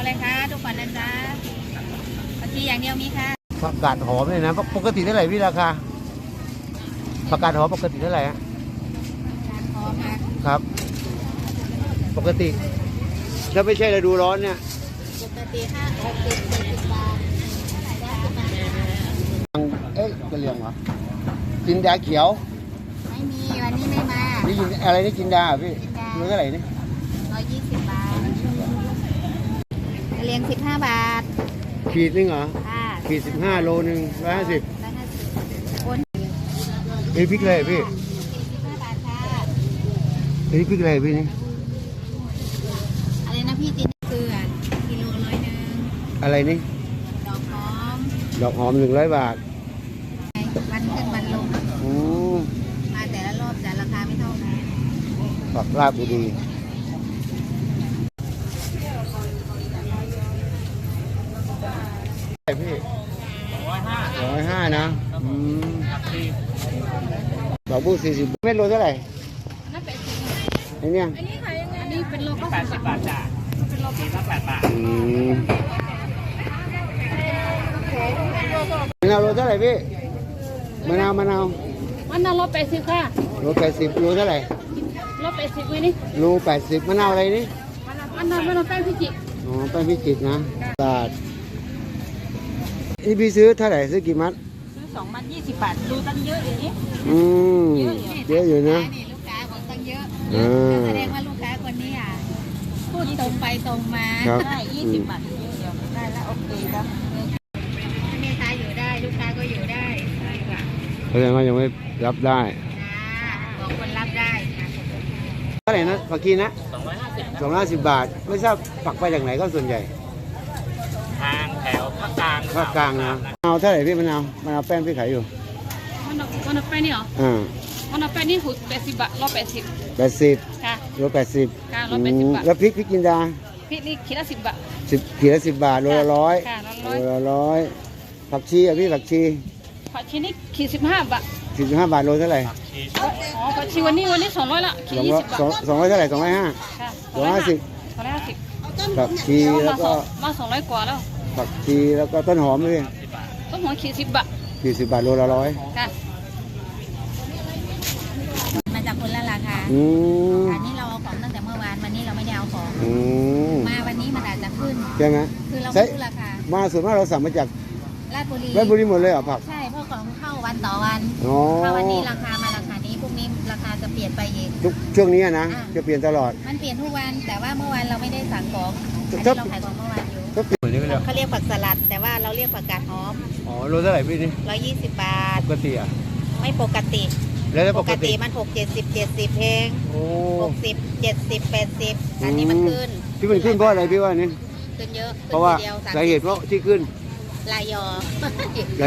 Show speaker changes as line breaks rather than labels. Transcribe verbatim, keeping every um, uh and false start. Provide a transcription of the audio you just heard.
อะไรคะทุกคนนะจ๊ะผักชีอย่างเดียวมีค่ะ
ผักกาดหอมเลยนะปกติเท่าไหร่พี่ราคาผักกาดหอมปกติเท่าไหร่ฮะ
หอมค่ะ
ครับปกติถ้าไม่ใช่ฤดูร้อนเนี่ย
ปกติห้าหกสิบเจ็ดสิบบาท
เอ๊ะกระเลียงเหรอจินดาเขียว
ไม่มีวันนี้ไม่มา
นี่อะไรนี่จินดาพี่เท่าไหร่นี่
ร้อยยี่สิบบาทเรียงสิบห้าบาท
ขีดนึงเหรอ
ค่ะ
ขีดสิบห้าโลนึงร้อยห้าสิบ
ร้อยห้าสิบคน
นี่พริกอะไรพี่
สิบห้าบาทค่ะ
นี่พริกอะไรพี่นี่
อะไรนะพี่จินเกลือกิโลร้อยหนึ่ง
อะไรนี่
ดอกหอม
ดอกหอมหนึ่งร้อยบาท
วันขึ้นวันลง
อืม
มาแต่ละรอบแต่ราคาไม่เท่ากัน
ผักลาบดีพี่ร้อยห้าร้อยห้านะอืมดอกบูสี่สิบเม็ดโลเท่าไหร่
นั่นเป็นสิบ
ไอ้เนี่ย
อันนี้ขายยังไงอันนี้เป็นโลก็แปดสิบบาทจ้ะเป็นโลก็แปดบาท
อืมมะนาวโลเท่าไหร่พี่มะนาวมะนาว
มะนาวโลแปดสิบค่ะ
โลแปดสิบโลเท่าไหร่
โลแปดสิบวินี่
โลแปดสิบมะนาวอะไรนี่
มะนาวมะนาวแป้งพิจิตร
อ๋อแป้งพิจิตรนะบาทนี่พี่ซื้อเท่าไหร่ซื้อกี่มัด
ซื้อสองมัดยี่สิบบาทดูตั้งเยอะอย่างนี้
อืมเยอะอยู่นะ
นี่ลูกค้าบอกตั้งเยอะแสดงว่าลูกค้าคนนี้อ่ะพูดตรงไปตรงมาได้ยี่สิบบาทเดียวได้แล้วโอเคแล้วแม่ค้าอยู่ได้ลูกค้าก็อยู่ได้ใช่ค่ะ
แสดงว่ายังไม่รับได้
บอกคนรับได้
เท่าไหร่นะผักชีนะสองร้อยห้าสิบสองร้อยห้าสิบบาทไม่ทราบผักไปจากไหนก็ส่วนใหญ่
ทางแถวภาคกลาง
ภาคกลางนะมะนาวเท่าไหร่พี่มะนาวมะนาวแป้งพี่ขายอยู่
มะนาวมะนาวแป้งนี่เหรอ
อ่าม
ะนาวแป้งนี่หุดแปดสิบบาทร้อยแปดสิบ
แปดสิบ
ค่ะ
โลแปดสิบ
ค่ะร้อยแปดสิบบาท
แล้วพริกพริกจินดา
พริกนี่ขีดละสิบบาท
สิบขีดละสิบบาทโลละร้อยโลละร้อยผักชีอ่ะพี่ผักชี
ผักชีนี่ขีดสิบห้าบาท
สิบห้าบาทโลเท่าไหร่
อ๋อผักชีวันนี้วันนี้สองร้อยละขีดยี่สิบบาท
สองร้อยเท่าไหร่สองร้อยห้าสองร้อยห้าสิบ
สองร้อยห้าสิบ
ผักชีแล้วก็
มาสองร้อยกว่าแล้ว
ผักชีแล้วก็ต้นหอมด้วย
ต้นหอมขีดสิบบาท
ขีดสิบบาทโลละร้อย
ค่ะมาจากคนละราคา
อืม
อันนี้เราเอาของตั้งแต่เมื่อวานวันนี้เราไม่ได้เอาของมาวันนี้มันอาจจะขึ้น
ใช่ไหม
คือเราไม่รู้ราคา
มาส่วนมากเราสั่งมาจาก
ราชบุรี
ราชบุรีหมดเลยเหรอผัก
ใช่เพราะของเข้าวันต่อวันถ้าวันนี้ราคามาราคานี้พรุ่งนี้ราคาจะเปลี่ยนไปอีก
ทุกช่วงนี้นะจะเปลี่ยนตลอด
มันเปลี่ยนทุกวันแต่ว่าเมื่อวานเราไม่ได้สั่งของอันนี้เราขายของเมื่อวานอยู่เขาเรียกผักสลัดแต่ว่าเราเรียกผักกาดหอม
อ๋อโลเท่าไหร่พี่นี่
ร้อยยี่สิบบาท
ปกติอ่ะ
ไม่ปกติ
แล้วปกติ
มันหกเจ็ดสิบเจ็ดสิบเองหกสิบเจ็ดสิบแปดสิบอันนี้มันขึ้น
ที่มันขึ้นเพราะอะไรพี่ว่านี่
ขึ้นเยอะ
เพราะว่าสาเหตุเพราะที่ขึ้น
ลายยอ